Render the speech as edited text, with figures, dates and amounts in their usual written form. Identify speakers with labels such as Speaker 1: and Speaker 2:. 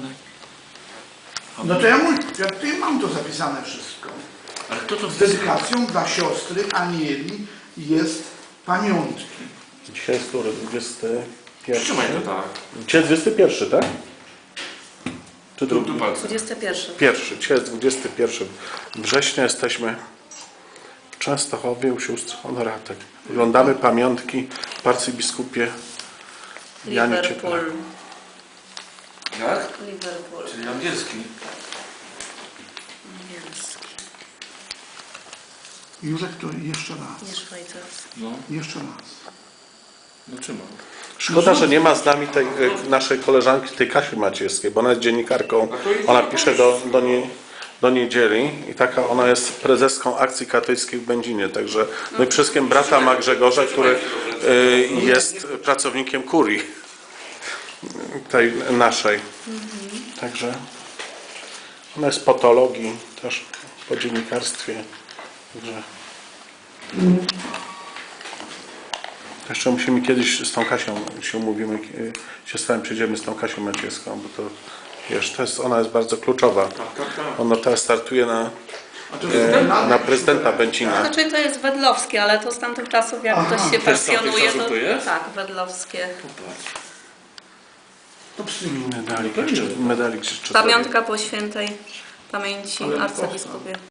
Speaker 1: No to ja tutaj mam to zapisane wszystko.
Speaker 2: Ale kto to
Speaker 1: Z dedykacją dla siostry Anieli jest pamiątki.
Speaker 3: Dzisiaj jest który? 21?
Speaker 2: Trzymaj to tak.
Speaker 3: Dzisiaj jest 21, tak? Czy drugi?
Speaker 2: Tu palce.
Speaker 4: 21.
Speaker 3: Pierwszy. Dzisiaj jest 21 września. Jesteśmy w Częstochowie u sióstr Honoratek. Oglądamy pamiątki w arcybiskupie Janie
Speaker 4: Liverpool.
Speaker 3: Cieplaku.
Speaker 2: Jak?
Speaker 4: Liverpool.
Speaker 2: Czyli angielski.
Speaker 4: Angielski.
Speaker 1: Józek, to jeszcze raz.
Speaker 4: Nie szwajcarski.
Speaker 2: No,
Speaker 1: Jeszcze raz.
Speaker 2: no trzymam.
Speaker 3: Szkoda, że nie ma z nami tej naszej koleżanki, tej Kasi Maciejskiej, bo ona jest dziennikarką. Ona pisze do niedzieli i taka ona jest prezeską Akcji Katolickiej w Będzinie. Także no i wszystkim brata ma Grzegorza, który jest pracownikiem kurii tej naszej. Także ona jest po teologii, też po dziennikarstwie. Także jeszcze musimy kiedyś z tą Kasią się umówimy, się z wami przyjdziemy z tą Kasią Maciejską, bo to wiesz, ona jest bardzo kluczowa. Ona teraz startuje na prezydenta Będzina.
Speaker 4: Znaczy to jest wedlowskie, ale to z tamtych czasów jak ktoś się
Speaker 2: Też z tamtych
Speaker 4: pasjonuje,
Speaker 2: czasów to jest?
Speaker 4: tak, wedlowskie.
Speaker 1: To psychiki.
Speaker 3: Medalik jeszcze.
Speaker 4: Pamiątka po świętej pamięci arcybiskupie.